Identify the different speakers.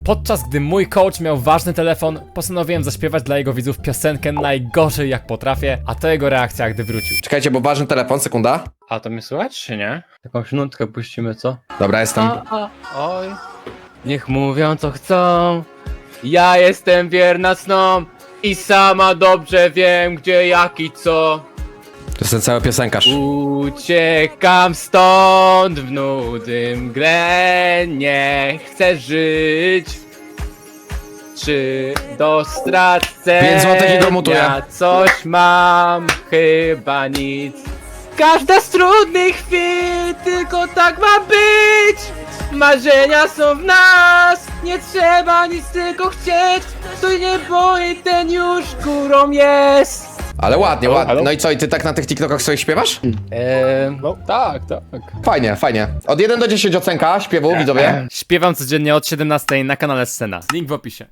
Speaker 1: Podczas gdy mój coach miał ważny telefon, postanowiłem zaśpiewać dla jego widzów piosenkę najgorzej jak potrafię, a to jego reakcja gdy wrócił.
Speaker 2: Czekajcie, bo ważny telefon, sekunda.
Speaker 3: A to mnie słychać, czy nie? Jakąś nutkę puścimy, co?
Speaker 2: Dobra, jestem.
Speaker 3: Oj. Niech mówią co chcą, ja jestem wierna snom i sama dobrze wiem gdzie, jak i co.
Speaker 2: To jest ten cały piosenkarz.
Speaker 3: Uciekam stąd w nudym grę, nie chcę żyć. Czy do stracenia
Speaker 2: 5 złotych i go mutuję.
Speaker 3: coś mam? Chyba nic. Każda z trudnych chwil, tylko tak ma być. Marzenia są w nas, nie trzeba nic tylko chcieć. Kto nie boi, ten już górą jest.
Speaker 2: Ale ładnie, ładnie.
Speaker 3: halo?
Speaker 2: No i co, i ty tak na tych TikTokach sobie śpiewasz?
Speaker 3: No tak.
Speaker 2: Fajnie, fajnie. Od 1 do 10 ocenka śpiewu, widzowie.
Speaker 1: Śpiewam codziennie od 17 na kanale Scena. Link w opisie.